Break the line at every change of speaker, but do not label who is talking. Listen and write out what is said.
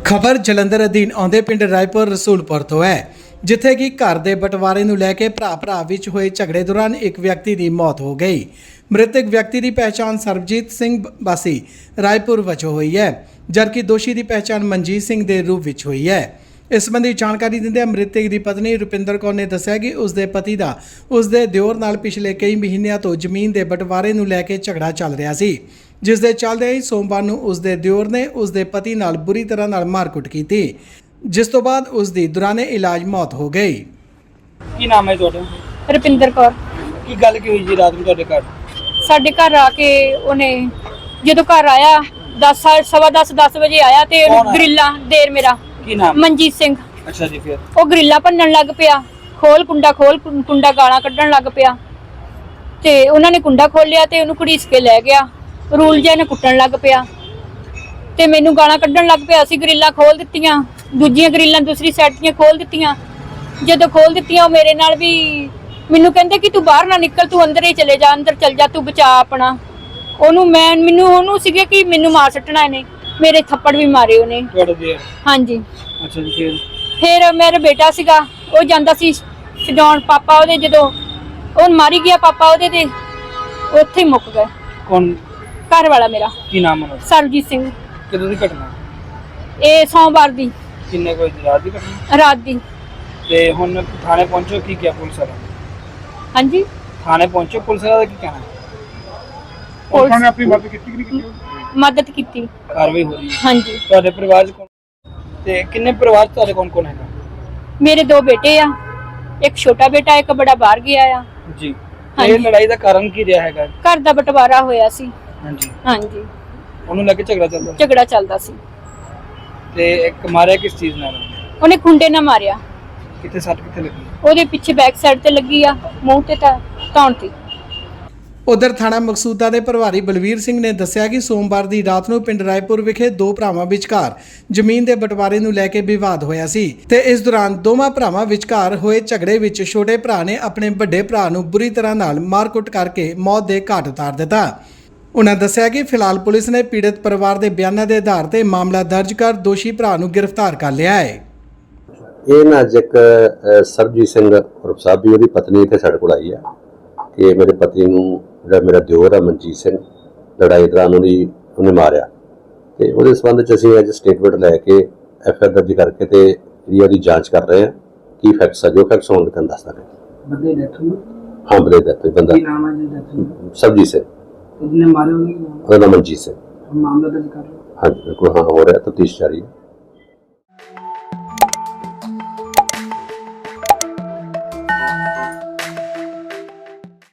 ਖਬਰ ਜਲੰਧਰ ਅਧੀਨ ਆਉਂਦੇ ਪਿੰਡ ਰਾਏਪੁਰ ਰਸੂਲਪੁਰ ਤੋਂ ਹੈ, ਜਿੱਥੇ ਕਿ ਘਰ ਦੇ ਬਟਵਾਰੇ ਨੂੰ ਲੈ ਕੇ ਭਰਾ ਵਿੱਚ ਹੋਏ ਝਗੜੇ ਦੌਰਾਨ ਇੱਕ ਵਿਅਕਤੀ ਦੀ ਮੌਤ ਹੋ ਗਈ। ਮ੍ਰਿਤਕ ਵਿਅਕਤੀ ਦੀ ਪਹਿਚਾਣ ਸਰਬਜੀਤ ਸਿੰਘ ਵਾਸੀ ਰਾਏਪੁਰ ਵਜੋਂ ਹੋਈ ਹੈ, ਜਦਕਿ ਦੋਸ਼ੀ ਦੀ ਪਹਿਚਾਣ ਮਨਜੀਤ ਸਿੰਘ ਦੇ ਰੂਪ ਵਿੱਚ ਹੋਈ ਹੈ। ਇਸ ਸੰਬੰਧੀ ਜਾਣਕਾਰੀ ਦਿੰਦਿਆਂ ਮ੍ਰਿਤਕ ਦੀ ਪਤਨੀ ਰੁਪਿੰਦਰ ਕੌਰ ਨੇ ਦੱਸਿਆ ਕਿ ਉਸ ਦੇ ਪਤੀ ਦਾ ਉਸ ਦੇ ਦਿਓਰ ਨਾਲ ਪਿਛਲੇ ਕਈ ਮਹੀਨਿਆਂ ਤੋਂ ਜ਼ਮੀਨ ਦੇ ਬਟਵਾਰੇ ਨੂੰ ਲੈ ਕੇ ਝਗੜਾ ਚੱਲ ਰਿਹਾ ਸੀ, ਜਿਸ ਦੇ ਚੱਲਦੇ ਹੀ ਸੋਮਵਾਰ ਨੂੰ ਉਸ ਦੇ ਦਿਓਰ ਨੇ ਉਸ ਦੇ ਪਤੀ ਨਾਲ ਬੁਰੀ ਤਰ੍ਹਾਂ ਨਾਲ ਮਾਰਕੁੱਟ ਕੀਤੀ, ਜਿਸ ਤੋਂ ਬਾਅਦ ਉਸ ਦੀ ਦੌਰਾਨੇ ਇਲਾਜ ਮੌਤ ਹੋ ਗਈ।
ਕੀ ਨਾਮ ਹੈ ਤੁਹਾਡਾ?
ਰੁਪਿੰਦਰ ਕੌਰ।
ਕੀ ਗੱਲ ਕੀ ਹੋਈ ਜੀ ਰਾਤ ਨੂੰ ਤੁਹਾਡੇ ਘਰ?
ਸਾਡੇ ਘਰ ਆ ਕੇ ਉਹਨੇ ਜਦੋਂ ਘਰ ਆਇਆ 10 ਵਜੇ ਆਇਆ ਤੇ ਗਰਿੱਲਾ ਦੇਰ ਮੇਰਾ
ਕੀ ਨਾਮ?
ਮਨਜੀਤ ਸਿੰਘ।
ਅੱਛਾ ਜੀ, ਫਿਰ
ਉਹ ਗਰਿੱਲਾ ਭੰਨਣ ਲੱਗ ਪਿਆ, ਖੋਲ ਕੁੰਡਾ ਗਾਲਾਂ ਕੱਢਣ ਲੱਗ ਪਿਆ ਤੇ ਉਹਨਾਂ ਨੇ ਕੁੰਡਾ ਖੋਲਿਆ ਤੇ ਉਹਨੂੰ ਘੜੀਸ ਕੇ ਲੈ ਗਿਆ। ਰੂਲ ਜਿਹਾ ਨੇ ਕੁੱਟਣ ਲੱਗ ਪਿਆ ਤੇ ਮੈਨੂੰ ਗਾਲਾਂ ਕੱਢਣ ਲੱਗ ਪਿਆ। ਅਸੀਂ ਗਰਿੱਲਾਂ ਖੋਲ ਦਿੱਤੀਆਂ, ਦੂਜੀਆਂ ਗਰਿੱਲਾਂ ਦੂਸਰੀ ਸਾਈਡ ਦੀਆਂ ਖੋਲ ਦਿੱਤੀਆਂ। ਜਦੋਂ ਖੋਲ ਦਿੱਤੀਆਂ ਉਹ ਮੇਰੇ ਨਾਲ ਵੀ ਮੈਨੂੰ ਕਹਿੰਦੇ ਕਿ ਤੂੰ ਬਾਹਰ ਨਾ ਨਿਕਲ, ਤੂੰ ਅੰਦਰ ਹੀ ਚਲੇ ਜਾ, ਅੰਦਰ ਚਲ ਜਾ, ਤੂੰ ਬਚਾ ਆਪਣਾ। ਉਹਨੂੰ ਸੀਗੇ ਕਿ ਮੈਨੂੰ ਮਾਰ ਸੱਟਣਾ ਇਹਨੇ, ਮੇਰੇ ਥੱਪੜ ਵੀ ਮਾਰੇ ਉਹਨੇ।
ਤੁਹਾਡੇ ਦੇ?
ਹਾਂਜੀ।
ਅੱਛਾ ਜੀ,
ਫਿਰ ਮੇਰਾ ਬੇਟਾ ਸੀਗਾ, ਉਹ ਜਾਂਦਾ ਸੀ ਛਡਾਉਣ ਪਾਪਾ ਉਹਦੇ, ਜਦੋਂ ਉਹ ਮਾਰੀ ਗਿਆ ਪਾਪਾ ਉਹਦੇ ਤੇ ਉੱਥੇ ਹੀ ਮੁੱਕ ਗਏ।
ਕੌਣ?
ਘਰ ਵਾਲਾ ਮੇਰਾ।
ਕੀ ਨਾਮ ਹੈ?
ਸਰਬਜੀਤ ਸਿੰਘ।
ਕਦੋਂ ਦੀ ਘਟਨਾ?
ਇਹ ਸੋਮਵਾਰ ਦੀ
ਕਿੰਨੇ ਕੋਈ ਰਾਤ ਦੀ ਘਟਨਾ?
ਰਾਤ ਦੀ।
ਤੇ ਹੁਣ ਥਾਣੇ ਪਹੁੰਚੋ, ਕੀ ਕਿਹਾ ਪੁਲਿਸ ਵਾਲਾ?
ਹਾਂਜੀ,
ਥਾਣੇ ਪਹੁੰਚੋ, ਪੁਲਿਸ ਵਾਲਾ ਦਾ ਕੀ ਕਹਿਣਾ?
ਪੁਲਿਸ
ਨੇ ਆਪਣੀ ਮਦਦ ਕੀਤੀ ਕਿ ਨਹੀਂ ਕੀਤੀ?
ਮਦਦ ਕੀਤੀ।
ਕਾਰਵਾਈ ਹੋ ਰਹੀ ਹੈ?
ਹਾਂਜੀ।
ਤੁਹਾਡੇ ਪਰਿਵਾਰ ਚ ਕੌਣ ਤੇ ਕਿੰਨੇ ਪਰਿਵਾਰ ਚ ਤੁਹਾਡੇ ਕੌਣ ਹੈਗਾ?
ਮੇਰੇ 2 ਬੇਟੇ ਆ, ਇੱਕ ਛੋਟਾ ਬੇਟਾ, ਇੱਕ ਬੜਾ ਬਾਹਰ ਗਿਆ ਆ
ਜੀ।
ਹਾਂਜੀ।
ਇਹ ਲੜਾਈ ਦਾ ਕਾਰਨ ਕੀ ਰਿਹਾ ਹੈਗਾ?
ਘਰ ਦਾ ਬਟਵਾਰਾ ਹੋਇਆ ਸੀ।
ਹਾਂਜੀ।
ਹਾਂਜੀ,
ਉਹਨੂੰ ਲੈ ਕੇ ਝਗੜਾ ਚੱਲਦਾ?
ਝਗੜਾ ਚੱਲਦਾ ਸੀ।
ਤੇ ਇੱਕ ਮਾਰਿਆ ਕਿਸ ਚੀਜ਼ ਨਾਲ?
ਉਹਨੇ ਖੁੰਡੇ ਨਾਲ ਮਾਰਿਆ।
ਕਿੱਥੇ ਸੱਟ ਕਿੱਥੇ ਲੱਗੀ?
ਉਹਦੇ ਪਿੱਛੇ ਬੈਕ ਸਾਈਡ ਤੇ ਲੱਗੀ ਆ, ਮੂੰਹ ਤੇ ਤਾਂ ਧੌਣ ਤੇ।
ਉਧਰ ਥਾਣਾ ਮਕਸੂਦਾ ਦੇ ਪ੍ਰਭਾਰੀ ਬਲਵੀਰ ਸਿੰਘ ਨੇ ਦੱਸਿਆ ਕਿ ਸੋਮਵਾਰ ਦੀ ਰਾਤ ਨੂੰ ਪਿੰਡ ਰਾਏਪੁਰ ਵਿਖੇ 2 ਭਰਾਵਾਂ ਵਿਚਕਾਰ ਜ਼ਮੀਨ ਦੇ ਬਟਵਾਰੇ ਨੂੰ ਲੈ ਕੇ ਵਿਵਾਦ ਹੋਇਆ ਸੀ ਤੇ ਇਸ ਦੌਰਾਨ ਦੋਵਾਂ ਭਰਾਵਾਂ ਵਿਚਕਾਰ ਹੋਏ ਝਗੜੇ ਵਿੱਚ ਛੋਟੇ ਭਰਾ ਨੇ ਆਪਣੇ ਵੱਡੇ ਭਰਾ ਨੂੰ ਬੁਰੀ ਤਰ੍ਹਾਂ ਨਾਲ ਮਾਰਕੁੱਟ ਕਰਕੇ ਮੌਤ ਦੇ ਘਾਟ ਉਤਾਰ ਦਿੱਤਾ। ਉਨ੍ਹਾਂ ਦੱਸਿਆ ਕਿ ਫਿਲਹਾਲ ਪੁਲਿਸ ਨੇ ਪੀੜਤ ਪਰਿਵਾਰ ਦੇ ਬਿਆਨਾਂ ਦੇ ਆਧਾਰ ਤੇ ਮਾਮਲਾ ਦਰਜ ਕਰ ਦੋਸ਼ੀ ਭਰਾ ਨੂੰ ਗ੍ਰਿਫਤਾਰ ਕਰ ਲਿਆ ਹੈ।
ਇਹ ਨਾ ਇੱਕ ਸਰਬਜੀਤ ਸਿੰਘ ਉਰਫ ਸਾਬੀ, ਉਹਦੀ ਪਤਨੀ ਇੱਥੇ ਸਾਡੇ ਕੋਲ ਆਈ ਹੈ ਕਿ ਮੇਰੇ ਪਤੀ ਨੂੰ ਜਿਹੜਾ ਮੇਰਾ ਦਿਓਰ ਹੈ ਮਨਜੀਤ ਸਿੰਘ, ਲੜਾਈ ਦੌਰਾਨ ਉਹਨੇ ਮਾਰਿਆ ਤੇ ਉਹਦੇ ਸੰਬੰਧ 'ਚ ਅਸੀਂ ਅੱਜ ਸਟੇਟਮੈਂਟ ਲੈ ਕੇ FIR ਦਰਜ ਕਰਕੇ ਤੇ ਜਿਹੜੀ ਉਹਦੀ ਜਾਂਚ ਕਰ ਰਹੇ ਹਾਂ। ਕੀ ਫੈਕਟਸ ਆ, ਜੋ ਫੈਕਟਸ ਹੋਣਗੇ ਤੁਹਾਨੂੰ ਦੱਸ ਦਾਂਗੇ।
ਬੰਦੇ ਡੈਥ ਹੋਈ?
ਹਾਂ, ਬੰਦੇ ਡੈਥ ਹੋਈ। ਬੰਦਾ
ਕੀ ਨਾਮ ਹੈ ਜੀ ਡੈਥ?
ਸਰਬਜੀਤ ਸਿੰਘ।
ਜਿਹਨੇ ਮਾਰੇ ਉਹਨੇ
ਉਹਦਾ ਨਾਮ ਮਨਜੀਤ ਸਿੰਘ।
ਮਾਮਲਾ ਦਰਜ ਕਰ ਲਓ।
ਹਾਂਜੀ, ਬਿਲਕੁਲ। ਹਾਂ, ਹੋ ਰਿਹਾ, ਤਫਤੀਸ਼ ਜਾਰੀ ਹੈ।